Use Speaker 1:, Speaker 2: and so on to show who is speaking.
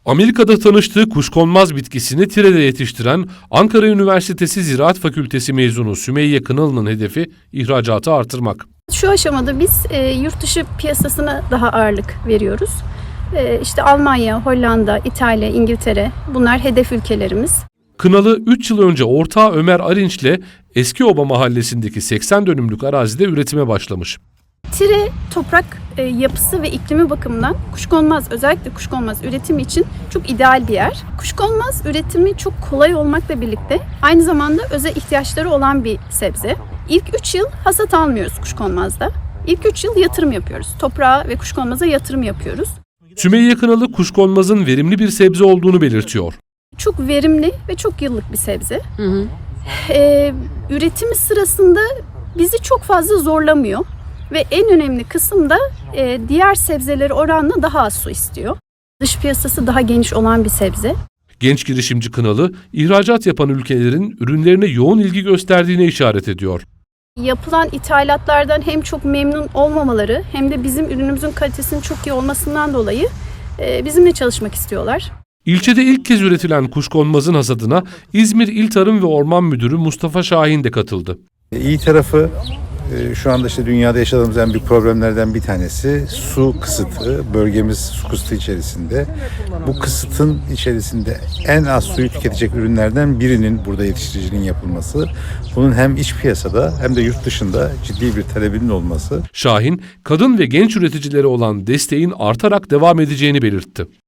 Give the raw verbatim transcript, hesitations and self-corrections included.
Speaker 1: Amerika'da tanıştığı kuşkonmaz bitkisini Tire'de yetiştiren Ankara Üniversitesi Ziraat Fakültesi mezunu Sümeyye Kınalı'nın hedefi ihracatı artırmak.
Speaker 2: Şu aşamada biz e, yurt dışı piyasasına daha ağırlık veriyoruz. E, işte Almanya, Hollanda, İtalya, İngiltere bunlar hedef ülkelerimiz.
Speaker 1: Kınalı üç yıl önce ortağı Ömer Arinç'le Eskioba mahallesindeki seksen dönümlük arazide üretime başlamış.
Speaker 2: Tire toprak e, yapısı ve iklimi bakımından kuşkonmaz, özellikle kuşkonmaz üretimi için çok ideal bir yer. Kuşkonmaz üretimi çok kolay olmakla birlikte aynı zamanda özel ihtiyaçları olan bir sebze. İlk üç yıl hasat almıyoruz kuşkonmazda. İlk üç yıl yatırım yapıyoruz. Toprağa ve kuşkonmaza yatırım yapıyoruz.
Speaker 1: Sümeyye Kınalı kuşkonmazın verimli bir sebze olduğunu belirtiyor.
Speaker 2: Çok verimli ve çok yıllık bir sebze. Hı hı. Ee, üretimi sırasında bizi çok fazla zorlamıyor. Ve en önemli kısım da e, diğer sebzeleri oranla daha az su istiyor. Dış piyasası daha geniş olan bir sebze.
Speaker 1: Genç girişimci Kınalı, ihracat yapan ülkelerin ürünlerine yoğun ilgi gösterdiğine işaret ediyor.
Speaker 2: Yapılan ithalatlardan hem çok memnun olmamaları hem de bizim ürünümüzün kalitesinin çok iyi olmasından dolayı e, bizimle çalışmak istiyorlar.
Speaker 1: İlçede ilk kez üretilen kuşkonmazın hasadına İzmir İl Tarım ve Orman Müdürü Mustafa Şahin de katıldı.
Speaker 3: İyi tarafı şu anda işte dünyada yaşadığımız en büyük problemlerden bir tanesi su kısıtı. Bölgemiz su kısıtı içerisinde. Bu kısıtın içerisinde en az suyu tüketecek ürünlerden birinin burada yetiştiriciliğin yapılması. Bunun hem iç piyasada hem de yurt dışında ciddi bir talebinin olması.
Speaker 1: Şahin, kadın ve genç üreticilere olan desteğin artarak devam edeceğini belirtti.